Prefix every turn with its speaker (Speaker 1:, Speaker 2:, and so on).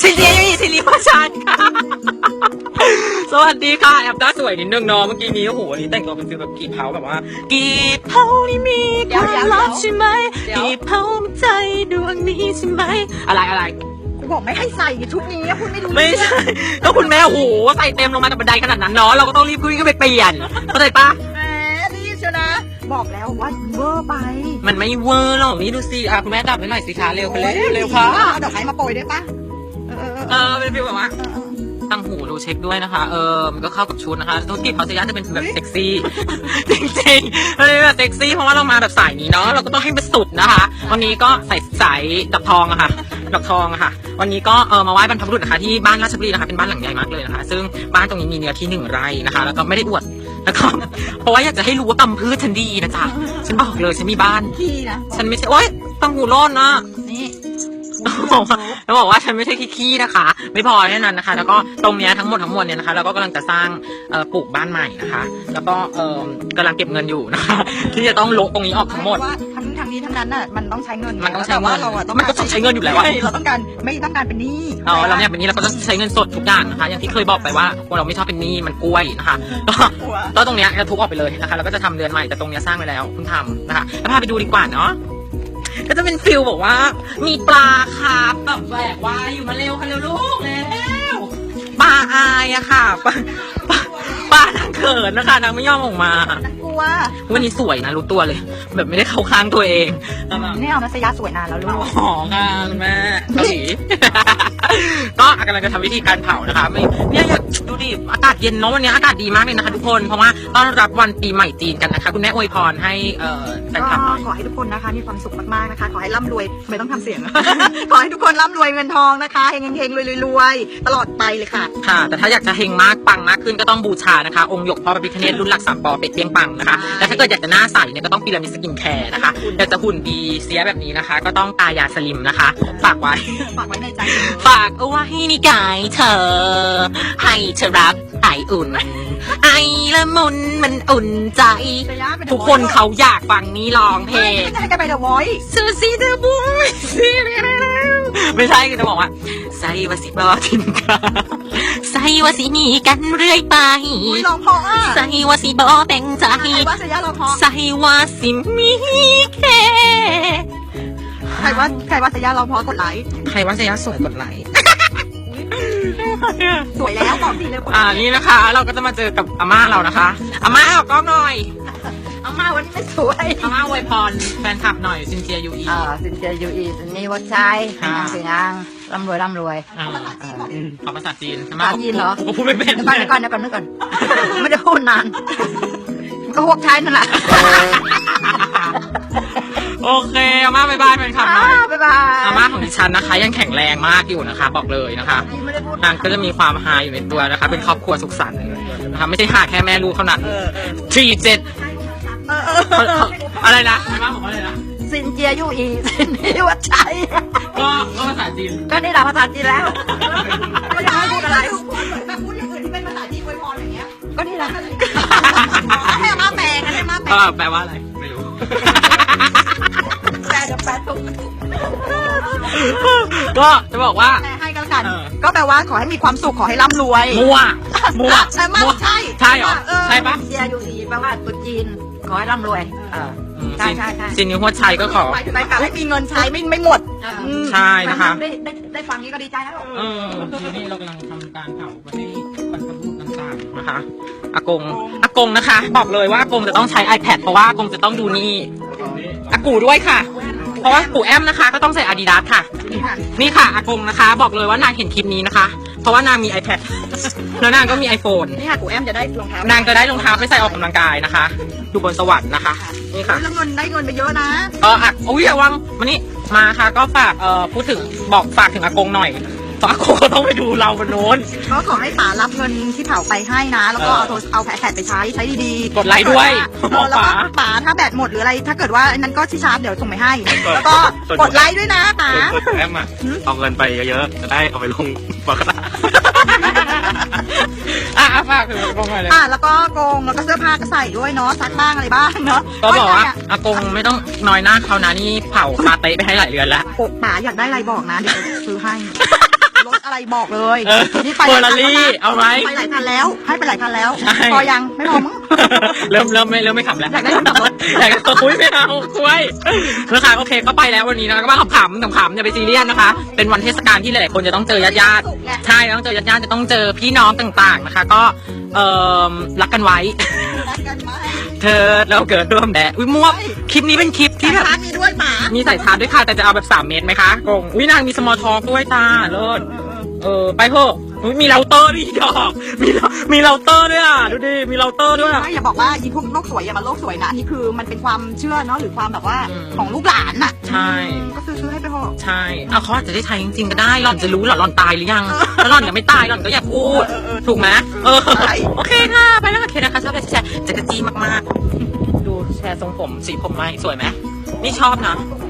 Speaker 1: ซินเจียยูอีซิริวัชันค่ะสวัสดีค่ะแอบด้าสวยนิดนึงเนาะเมื่อกี้นี้โอ้โหวันนี้แต่งตัวเป็นฟิลแบบกีบเผาแบบว่ากีบเผานี่มีความลับใช่ไหมกีบเผาใจดวงนี้ใช่ไหมอะไร
Speaker 2: กูบอกไม่ให้ใส่ชุดนี้พูดไม่รู้
Speaker 1: ไม่ใช่ก็คุณแม่โอ้โหใส่เต็มลงมาจากบันไดขนาดนั้นเนาะเราก็ต้องรีบขึ้นไปเปลี่ยนเข้าใจปะ
Speaker 2: แหมรีบเชียวนะบอกแล้วว่าเวอร์ไป
Speaker 1: มันไม่เวอร์หรอกนี่ดูสิคุณแม่ดับไปหน่อยสิคะเร็วไปเร็วค่ะ
Speaker 2: เอาดอกไม้มาโปรยได้ปะ
Speaker 1: เป็นฟีลแบบว่าตั้งหูดูเช็คด้วยนะคะมันก็เข้ากับชุดนะคะธุรกิจเขาจะจะเป็นแบบเซ็กซี่จริงๆเลยแบบเซ็กซี่เพราะว่าเรามาแบบสายนี้เนาะเราก็ต้องให้มันสุดนะคะวันนี้ก็ใส่สายดอกทองอะค่ะดอกทองอะค่ะวันนี้ก็มาไหว้บรรพบุรุษนะคะที่บ้านราชบุรีนะคะเป็นบ้านหลังใหญ่มากเลยนะคะซึ่งบ้านตรงนี้มีเนื้อที่1 ไร่นะคะแล้วก็ไม่ได้อวดแล้วก็เพราะว่าอยากจะให้รู้ว่ากำพืชฉันดีนะจ๊ะฉันบอกเลยฉันมีบ้าน
Speaker 2: ขี้นะ
Speaker 1: ฉันไม่ใช่โอ๊ยตั้งหูร้อนนะ
Speaker 2: นี่
Speaker 1: แล้วบอกว่าฉันไม่ใช่ขี้นะคะไม่พอแค่นั้นนะคะแล้วก็ตรงนี้ทั้งหมดเนี่ยนะคะเราก็กำลังจะสร้างปลูกบ้านใหม่นะคะแล้วก็กำลังเก็บเงินอยู่นะคะที่จะต้องลงตรงนี้ออกทั้งหมด
Speaker 2: ทั้งนี้ทั้งนั้นน่ะมันต้องใช้เงิน
Speaker 1: มันต้องใช้เงิน
Speaker 2: มัน
Speaker 1: ก็ต้องใช้เงินอยู่แล้ว
Speaker 2: เราต้องการไม่ต้องการเป็นหนี้
Speaker 1: เราเนี่ยเป็นหนี้เราก็ต้องใช้เงินสดทุกอย่างนะคะอย่างที่เคยบอกไปว่าเราไม่ชอบเป็นหนี้มันกล้วยนะคะก็ตรงนี้จะทุบออกไปเลยนะคะแล้วก็จะทำเรือนใหม่แต่ตรงนี้สร้างไปแล้วคุณทำนะคะแล้วพาไปดูดีกว่าเนาะก็จะเป็นฟิลบอกว่ามีปลาคาร์ฟแบบแหวกว่ายอยู่มาเร็วค่ะเร็วลูกเร็วปลาอายอะค่ะปลานางเขินนะคะนางไม่ยอมออกมาก
Speaker 2: ลัว
Speaker 1: วันนี้สวยนะรู้ตัวเลยแบบไม่ได้เข้าข้างตัวเอง
Speaker 2: นี่เอานัสยาสวยนานแล้วลูก
Speaker 1: อ๋อค่ะคุณแม่เกาหลีก็กำลังจะทำวิธีการเผานะคะเนี่ยอยากดูดิอากาศเย็นเนาะวันนี้อากาศดีมากเลยนะคะทุกคนเพราะว่าต้อนรับวันปีใหม่จีนกันนะคะคุณแม่อวยพรให้แฟนคลับ
Speaker 2: ขอให้ทุกคนนะคะมีความสุขมากๆนะคะขอให้ร่ำรวยไม่ต้องทำเสียงขอให้ทุกคนร่ำรวยเงินทองนะคะเฮงๆรวยๆตลอดไปเลยค่ะ
Speaker 1: ค่ะแต่ถ้าอยากจะเฮงมากปังมากขึ้นก็ต้องบูชานะคะองค์หยกพ่อพระพิฆเนศรุ่นหลัก3 ปอเป็ดเปียงปังนะคะและถ้าเกิดอยากจะหน้าใสเนี่ยก็ต้องพีระมิดสกินแคร์นะคะอยากจะหุ่นดีเสียแบบนี้นะคะก็ต้องกายาสลิมนะคะฝากไว้
Speaker 2: ในใจ
Speaker 1: ฝากเอาไว้ในกายเธอให้เธอรับไออุ่นไอละมุนมันอุ่นใจทุกคนเขาอยากฟังนี้ร้องเพลง
Speaker 2: ไม่ใช่กันไปเดอะวอยซ์
Speaker 1: ซูซีเดอะบุ้ยไม่ใช่คือจะบอกว่าใส่วาสิบอทิมกาใส่วาสิมีกันเรื่อยไป
Speaker 2: ร้องเพราะอ่ะ
Speaker 1: ใส่วาสิบอแบ่งใจใส่วาสิมีแค่
Speaker 2: ใครว่าสยาร้องเพราะกดไลค์
Speaker 1: ใครว่าสยาสวยกดไลค์
Speaker 2: สวยแล้วบอกสิเลย
Speaker 1: นี่นะคะเราก็จะมาเจอกับอาม่าเรานะคะอาม่าออกกล้องหน่อย
Speaker 2: อาม่าวันนี้ไม่สวย
Speaker 1: อาม่าอวยพรแฟนคลับหน่อยซินเจียยูอี
Speaker 2: ซินเจียยูอีซินนี่วัดใจสวยงามร่ำรวย
Speaker 1: ขอภาษาจีน
Speaker 2: ภาษาจีนเหรอ
Speaker 1: พูดไม่เป็น
Speaker 2: เดี๋ยวก่อนไม่ได้พูดนานก็พวกใช้นั่นแหละ
Speaker 1: โอเคอาม่าบายบายแฟนคลับหน่อย
Speaker 2: บายบาย
Speaker 1: อาม่าของดิฉันนะคะยังแข็งแรงมากอยู่นะคะบอกเลยนะคะนางก็จะมีความฮาอยู่ในตัวนะคะเป็นครอบครัวสุขสันต์นะคะไม่ใช่ฮาแค่แม่ลูกเท่านั้น47อะไรนะอาม่าบอกว่าอะไรนะ
Speaker 2: ซินเจียยูอีซินนี่วัดชัย
Speaker 1: ก็ภาษาจีน
Speaker 2: ก็นี่แหละภาษาจีนแล้วไม่ได้พูดอะไรแบบพูดอย่างอื่นที่เป็นภาษาจีนอวยพรอย่างเงี้ยก็นี่แหละให้อาม่าแปลกันให้อาม่า
Speaker 1: แปลว่าอะไรไม่รู้
Speaker 2: แปลถูก
Speaker 1: ก็จะบอกว่า
Speaker 2: ให้กันก็แปลว่าขอให้มีความสุขขอให้ร่ำรวย
Speaker 1: มัว
Speaker 2: ใช่ไหม
Speaker 1: ใช่เหรอใช่ปะ
Speaker 2: เจียยูอีแปลว่าตุ๊จีนขอให้ร่ำรวยใช่
Speaker 1: จินนิ้วหัวชัยก็ขอ
Speaker 2: ให้มีเงินใช้ไม่หมด
Speaker 1: ใช่นะคะ
Speaker 2: ได้ฟังนี้ก็ดีใจแล้ว
Speaker 1: ทีนี้เรากำลังทำการเผาไปให้บรรพบุรุษต่างๆนะคะอากงนะคะบอกเลยว่าอากงจะต้องใช้ iPad เพราะว่าอากงจะต้องดูนี่อากูด้วยค่ะเพราะว่าปู่แอมนะคะก็ต้องใส่ Adidas ค่ะนี่ค่ะอากงนะคะบอกเลยว่านางเห็นคลิปนี้นะคะเพราะว่านางมี iPad แล้วนางก็มี iPhone
Speaker 2: นี่ค่ะปู่แอมจะได้รองเท้าน
Speaker 1: างจะได้รองเท้าไปใส่ออกกำลังกายนะคะดูบนสวรรค์นะคะนี่ค่ะ
Speaker 2: แล้วเงินได้เงินไปเยอะนะ
Speaker 1: อุ้ยระวังมานี่มาค่ะก็ฝากพูดถึงฝากถึงอากงหน่อยอากงก็ต้องไปดูเราบนโน้น
Speaker 2: ก็ขอให้ป๋ารับเงินที่เผาไปให้นะแล้วก็เอาแผ่นไปใช้ดี
Speaker 1: ๆกดไลค์ด้วย
Speaker 2: แล้วก็ป๋าถ้าแบตหมดหรืออะไรถ้าเกิดว่านั้นก็ที่ชาร์จเดี๋ยวส่งไปให้แล้วก็กดไลค์ด้วยนะป๋า
Speaker 3: แอมเอาเงินไปเยอะๆจะได้เอาไปลงบัคคา
Speaker 1: ฝากถึงอากงหน่อยเลย
Speaker 2: แล้วก็กงแล้วก็เสื้อผ้าก็ใส่ด้วยเนาะซักบ้างอะไรบ้างเนาะ
Speaker 1: ก็บอกว่าอากงไม่ต้องน้อยหน้าเขานะนี่เผาคาเต้ไปให้หลายเดือนแล้ว
Speaker 2: ป๋าอยากได้อะไรบอกนะเดี๋ยวซื้อให้รถอะไรบอกเลย นี่
Speaker 1: เฟอร์รารี่เอาไหม
Speaker 2: ไปหลายคันแล้ว ให้ไปหลายคันแล้ว
Speaker 1: ใช่
Speaker 2: พอยังไม่พอมั้ง
Speaker 1: เริ่มไม่ขับแล้ว
Speaker 2: อยากได้คนขับรถ
Speaker 1: อยากได้คุยไม่เอาคุยนะคะโอเคก็ไปแล้ววันนี้นะก็มาขำๆอย่าไปซีเรียสนะคะ เป็นวันเทศกาลที่หลายๆคนจะต้องเจอญาติๆใช่ต้องเจอญาติๆจะต้องเจอพี่น้องต่างๆนะคะ ก็รักกันไว้
Speaker 2: รักกันไหม
Speaker 1: เธอเราเกิดร่วมแดดอุ้ยมั่วคลิปนี้เป็นคลิปที่แบบ
Speaker 2: ร้านมีด้วยหมา
Speaker 1: มีสายชาร์จด้วยค่ะแต่จะเอาแบบ3 เมตรไหมคะกงอุ้ยนางมีสมอลท็อกด้วยจ้าเลิศไปเถอะอุ๊ยมีเราเตอร์ด้วยดอกมีเราเตอร์ด้วยอ่ะดูดิมีเราเตอร์ด้วย
Speaker 2: ไม่อย่าบอกว่าอีพวกโลกสวยอย่ามาโลกสวยนะอันนี้คือมันเป็นความเชื่อเนาะหรือความแบบว่า
Speaker 1: อืม
Speaker 2: ของลูกหลานน่ะ
Speaker 1: ใช่
Speaker 2: ก็ซื้อให้ไปเถอะ
Speaker 1: ใช่เอาเขาอาจจะได้ใช้จริงๆก็ได้หล่อนจะรู้เหรอหล่อนตายหรือยังถ้าหล่อนยังไม่ตายหล่อนก็อย่าพูดถูกไหมโอเคค่ะไปแล้วโอเคนะคะชอบแชร์จักรจี้มากๆดูแชร์ทรงผมสีผมไหมสวยไหมนี่ชอบนะ